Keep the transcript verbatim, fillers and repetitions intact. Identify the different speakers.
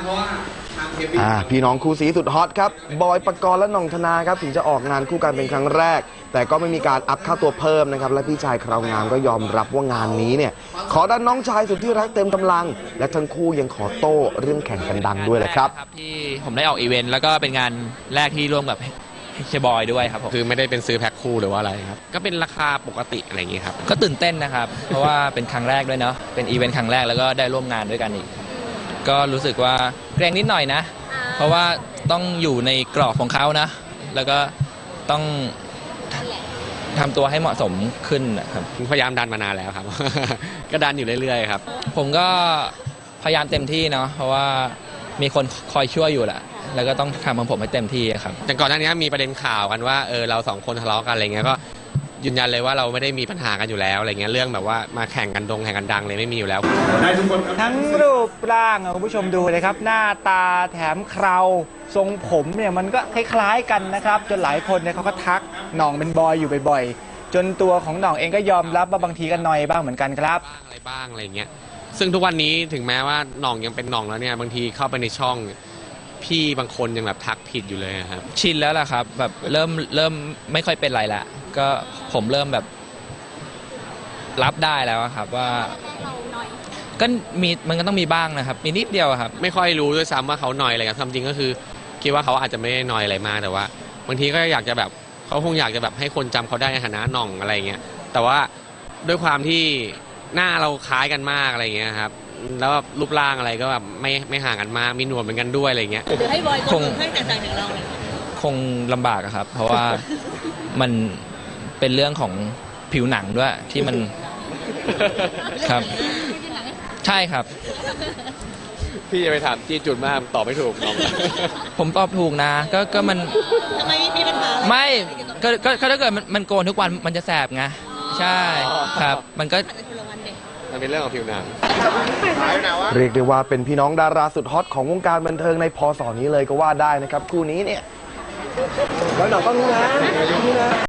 Speaker 1: เพราะว่า
Speaker 2: อ่าพี่น้องคู่สีสุดฮอตครับบอยปกรณ์และหน่องธนาครับถึงจะออกงานคู่กันเป็นครั้งแรกแต่ก็ไม่มีการอัพค่าตัวเพิ่มนะครับและพี่ชายคราวงามก็ยอมรับว่างานนี้เนี่ยขอดันน้องชายสุดที่รักเต็มกำลังและทั้งคู่ยังขอโต้เรื่องแข่งกันดังด้วยแหละครับ
Speaker 3: ที่ผมได้ออกอีเวนต์แล้วก็เป็นงานแรกที่ร่วมกับเชบอยด้วยครับผม
Speaker 4: คือไม่ได้เป็นซื้อแพ็คคู่หรือว่าอะไรครับก็เป็นราคาปกติอะไรอย่างนี้ครับ
Speaker 3: ก็ตื่นเต้นนะครับเพราะว่าเป็นครั้งแรกด้วยเนาะเป็นอีเวนต์ครั้งแรกแล้วก็ได้ร่วมงานด้วยกันอีกก็รู้สึกว่าเกรงนิดหน่อยนะเพราะว่าต้องอยู่ในกรอบของเขานะแล้วก็ต้องทำตัวให้เหมาะสมขึ้นนะครับ
Speaker 4: พยายามดันมานานแล้วครับ ก็ดันอยู่เรื่อยๆครับ
Speaker 3: ผมก็พยายามเต็มที่เนาะเพราะว่ามีคนคอยช่วยอยู่แหละแล้วก็ต้องทำของผมให้เต็มที่ครับ
Speaker 4: แต่ก่อนหน้านี้มีประเด็นข่าวกันว่าเออเราสองคนทะเลาะกันอะไรเงี้ยก็ยืนยันเลยว่าเราไม่ได้มีปัญหากันอยู่แล้วอะไรเงี้ยเรื่องแบบว่ามาแข่งกันดงแข่งกันดังเลยไม่มีอยู่แล้ว
Speaker 5: ทั้งรูปร่างคุณผู้ชมดูเลยครับหน้าตาแถมเคราทรงผมเนี่ยมันก็คล้ายๆกันนะครับจนหลายคนเนี่ยเขาก็ทักหน่องเป็นบอยอยู่บ่อยๆจนตัวของหน่องเองก็ยอมรับว่าบางทีก็นอยบ้างเหมือนกันครับ
Speaker 4: อะไรบ้างอะไรเงี้ยซึ่งทุกวันนี้ถึงแม้ว่าหน่องยังเป็นหน่องแล้วเนี่ยบางทีเข้าไปในช่องพี่บางคนยังแบบทักผิดอยู่เลยครับ
Speaker 3: ชินแล้วล่ะครับแบบเริ่มเริ่มไม่ค่อยเป็นไรละก็ผมเริ่มแบบรับได้แล้วครับว่าก็มีมันก็ต้องมีบ้างนะครับมีนิดเดียวครับ
Speaker 4: ไม่ค่อยรู้ด้วยซ้ำว่าเขาหน่อยอะไรกันจริงก็คือคิดว่าเขาอาจจะไม่ได้หน่อยอะไรมากแต่ว่าบางทีก็อยากจะแบบเขาคงอยากจะแบบให้คนจำเขาได้ในฐานะหน่องอะไรเงี้ยแต่ว่าด้วยความที่หน้าเราคล้ายกันมากอะไรเงี้ยครับแล้วรูปร่างอะไรก็แบบไม่ไม่ห่างกันมากมีหนวดเหมือนกันด้วยอะไรเงี้ย
Speaker 6: หรือให้บอยคงให้แตกต่างจากเราเลย
Speaker 3: คงลำบากครับเพราะว่ามันเป็นเรื่องของผิวหนังด้วยที่มันครับใช่ครับ
Speaker 4: พี่จะไปถามจี้จุดมากตอบไม่ถูกน้อง
Speaker 3: ผมตอบถูกนะก็ก็มัน
Speaker 6: ทำไมมีปัญหา
Speaker 3: ไม่ก็ก็ถ้าเกิดมันมันโกนทุกวันมันจะแสบไงใช่ครับมันก็
Speaker 4: มันเป็นเรื่องของผิวหนัง
Speaker 2: เรียกได้ว่าเป็นพี่น้องดาราสุดฮอตของวงการบันเทิงในพศนี้เลยก็ว่าได้นะครับคู่นี้เนี่ยแล้วหน่องต้องรู้นะ